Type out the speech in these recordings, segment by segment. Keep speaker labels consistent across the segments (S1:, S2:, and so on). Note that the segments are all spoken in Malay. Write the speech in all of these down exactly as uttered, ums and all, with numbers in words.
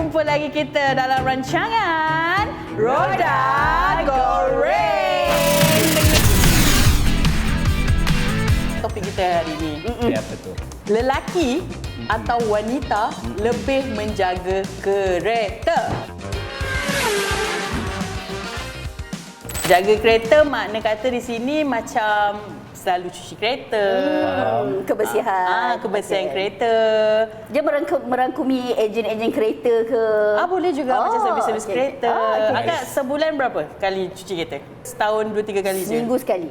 S1: jumpa lagi kita dalam rancangan Roda Goreng. Topik kita hari ini.
S2: Mm-mm. Apa tu?
S1: Lelaki atau wanita lebih menjaga kereta. Jaga kereta makna kata di sini macam selalu cuci kereta.
S3: Hmm, kebersihan.
S1: Ah, kebersihan
S3: okay.
S1: kereta.
S3: Dia merangkum, merangkumi ejen-ejen kereta ke?
S1: Ah, boleh juga oh, macam servis-servis
S3: okay.
S1: kereta.
S3: Oh, okay.
S1: Akak sebulan berapa kali cuci kereta? Setahun dua tiga kali je.
S3: Seminggu sekali.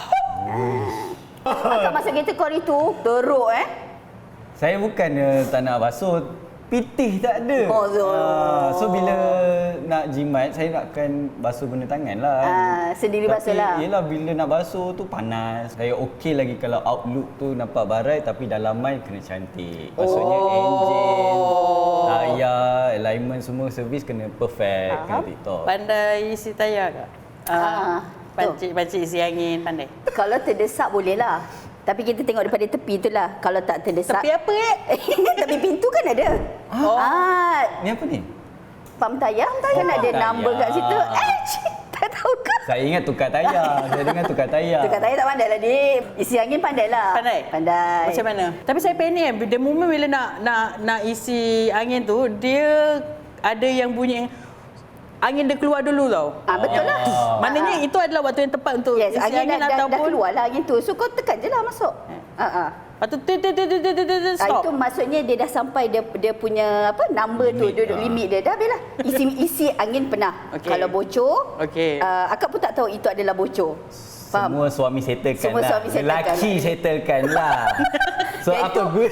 S3: Ah. Akak masuk kereta kau itu teruk eh?
S2: Saya bukannya tak nak basuh, pitih tak ada.
S3: Oh, so,
S2: ah, so bila nak jimat, saya nakkan basuh guna tangan lah.
S3: Ah, sendiri basuh lah.
S2: Tapi yelah, bila nak basuh tu panas. Saya okey lagi kalau outlook tu nampak barai tapi dalaman kena cantik. Maksudnya
S3: Oh.
S2: enjin, tayar, alignment semua servis kena perfect,
S3: Faham.
S2: kena tip-top.
S1: Pandai isi tayar tak?
S3: Ah,
S1: Pancik-pancik isi angin pandai.
S3: Kalau terdesak boleh lah. Tapi kita tengok daripada tepi tu lah. Kalau tak terdesak.
S1: Tepi apa eh?
S3: Tepi pintu kan ada.
S1: Oh.
S3: Ah,
S2: Ni apa ni?
S3: pam tayar kan
S2: Oh,
S3: ada
S2: tayar.
S3: number kat situ. Eh, tak tahu ke?
S2: Saya ingat tukar tayar. Saya dengar tukar tayar.
S3: Tukar tayar tak pandai lah, Dik. Isi angin pandai lah.
S1: Pandai?
S3: Pandai.
S1: Macam mana? Tapi saya panik kan. The moment bila nak nak nak isi angin tu, dia ada yang bunyi angin dia keluar dulu tau.
S3: Ah, betul lah.
S2: Oh.
S1: Maknanya itu adalah waktu yang tepat untuk
S3: Yes,
S1: isi
S3: angin,
S1: angin,
S3: dah, dah, dah
S1: ataupun
S3: keluar lah angin tu. So kau tekan je lah masuk. Ha ah.
S1: lepas tu tit, tit, tit, tit, tit, tit, tit,
S3: Ah,
S1: stop.
S3: itu maksudnya dia dah sampai dia dia punya apa number tu,
S2: Limit,
S3: dia duduk
S2: ah.
S3: limit dia. Dah habislah. Isi isi angin pernah.
S1: Okey.
S3: Kalau bocor,
S1: Okey.
S3: uh, akak pun tak tahu itu adalah bocor. Faham?
S2: Semua suami settlekan
S3: Semua
S2: lah.
S3: suami settlekan
S2: Lelaki
S3: lah.
S2: settlekan lah. So
S3: Yang
S2: apa
S3: itu-
S2: good?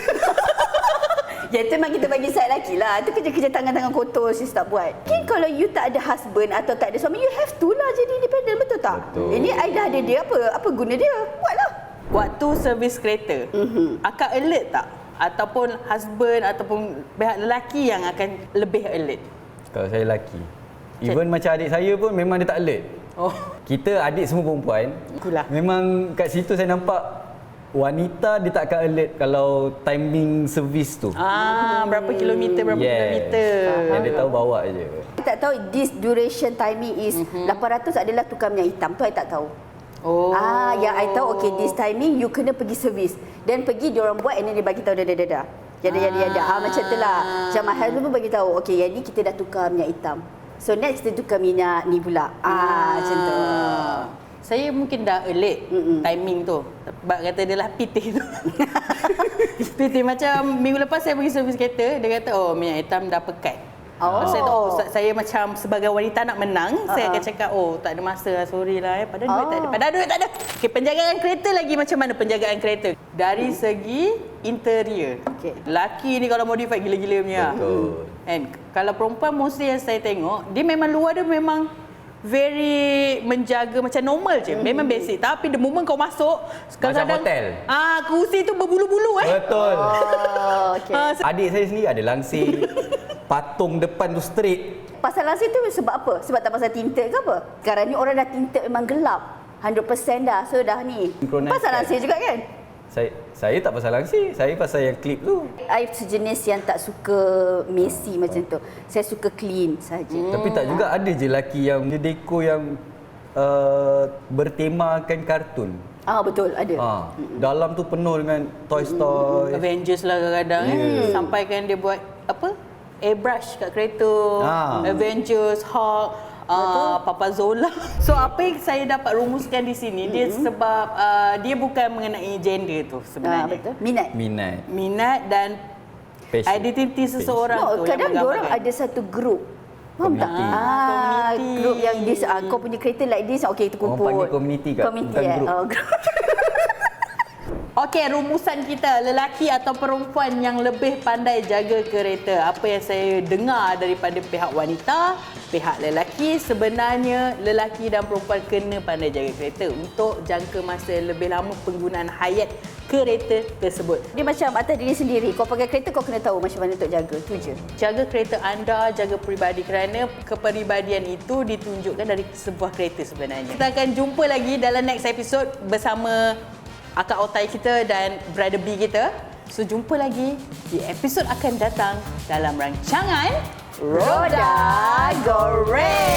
S3: Ya itu memang kita bagi side lelaki lah. Itu kerja-kerja tangan-tangan kotor sis tak buat. Mungkin kalau you tak ada husband atau tak ada suami, you have to lah jadi independent, betul tak?
S2: Betul.
S3: Ini I dah ada dia, apa apa guna dia? Buatlah.
S1: Waktu servis kereta,
S3: Mhm.
S1: akak alert tak? Ataupun husband ataupun pihak lelaki yang akan lebih alert?
S2: Kalau saya lelaki. Even macam adik saya pun memang dia tak alert.
S1: Oh,
S2: Kita adik semua perempuan.
S1: itulah.
S2: Memang kat situ saya nampak wanita dia tak akan alert kalau timing servis tu.
S1: Ah, berapa kilometer, berapa
S2: Yes.
S1: kilometer.
S2: Yang dia tahu bawa je.
S3: I tak tahu this duration timing is
S1: Mhm.
S3: lapan ratus adalah tukar minyak hitam. Tu I tak tahu.
S1: Oh.
S3: Ah, yang I tahu okay this timing you kena pergi servis. Dan pergi dia orang buat and then dia bagi tahu dah dah dah dah. Jadi jadi ada. Ah macam tu lah. Macam my husband pun bagi tahu okay yang ni kita dah tukar minyak hitam. So next kita tukar minyak ni pula. Ah, macam tu.
S1: Saya mungkin dah alert
S3: Mm-mm.
S1: timing tu. Sebab kata dia lah pitih tu. Pitih macam minggu lepas saya pergi servis kereta, dia kata oh minyak hitam dah pekat.
S3: Oh.
S1: Oh. Saya tahu oh, saya macam sebagai wanita nak menang, uh-huh. saya
S3: Uh-uh.
S1: akan cakap oh tak ada masa lah, sorry lah eh. Padahal duit
S3: Oh.
S1: tak ada. Padahal duit tak ada. Okay, penjagaan kereta lagi macam mana penjagaan kereta? Dari segi interior.
S3: Okey.
S1: Lelaki ni kalau modify gila-gila punya.
S2: Betul.
S1: And kalau perempuan mostly yang saya tengok, dia memang luar dia memang very menjaga macam normal je. Memang basic. Tapi the moment kau masuk, kadang-kadang
S2: hotel.
S1: Ah, kerusi tu berbulu-bulu eh.
S2: Betul.
S3: Oh, okay.
S1: Ah,
S2: Adik saya sendiri ada langsir. Patung depan tu straight.
S3: Pasal langsir tu sebab apa? Sebab tak pasal tinted ke apa? Sekarang ni orang dah tinted memang gelap. one hundred percent dah. So dah ni.
S2: Synchronize
S3: Pasal
S2: kan?
S3: langsir juga kan?
S2: Saya saya tak pasal langsir. Saya pasal yang klip tu.
S3: I sejenis yang tak suka messy macam tu. Saya suka clean saja.
S2: Hmm. Tapi tak juga ada je lelaki yang dia dekor yang uh, bertemakan kartun.
S3: Ah betul ada.
S2: Ha, dalam tu penuh dengan Toy Story.
S1: Avengers lah kadang-kadang eh.
S2: Yeah.
S1: Sampaikan dia buat apa? Airbrush kat kereta.
S2: Ah.
S1: Avengers, Hulk, uh, Papa Zola. So apa yang saya dapat rumuskan di sini dia sebab uh, dia bukan mengenai gender tu
S3: Ah
S1: sebenarnya.
S3: betul. Minat.
S2: Minat.
S1: Minat dan
S2: Passion.
S1: identiti seseorang
S3: No,
S1: tu
S3: kadang
S1: yang
S3: orang
S1: menggambarkan.
S3: ada satu grup. Faham tak?
S2: Community.
S3: Ah,
S1: Community.
S3: grup yang this, ah, kau punya kereta like this, okey kita
S2: Orang
S3: kumpul.
S2: panggil community kat,
S3: Community
S2: bukan
S3: eh?
S2: grup.
S3: Oh, grup.
S1: Okey, rumusan kita, lelaki atau perempuan yang lebih pandai jaga kereta. Apa yang saya dengar daripada pihak wanita, pihak lelaki, sebenarnya lelaki dan perempuan kena pandai jaga kereta untuk jangka masa lebih lama penggunaan hayat kereta tersebut.
S3: Dia macam atas diri sendiri. Kau pakai kereta kau kena tahu macam mana untuk jaga. Tu je.
S1: Jaga kereta anda, jaga peribadi kerana kepribadian itu ditunjukkan dari sebuah kereta sebenarnya. Kita akan jumpa lagi dalam next episode bersama Akak Otai kita dan Brother B kita. So jumpa lagi di episod akan datang dalam rancangan
S3: Roda Goreng.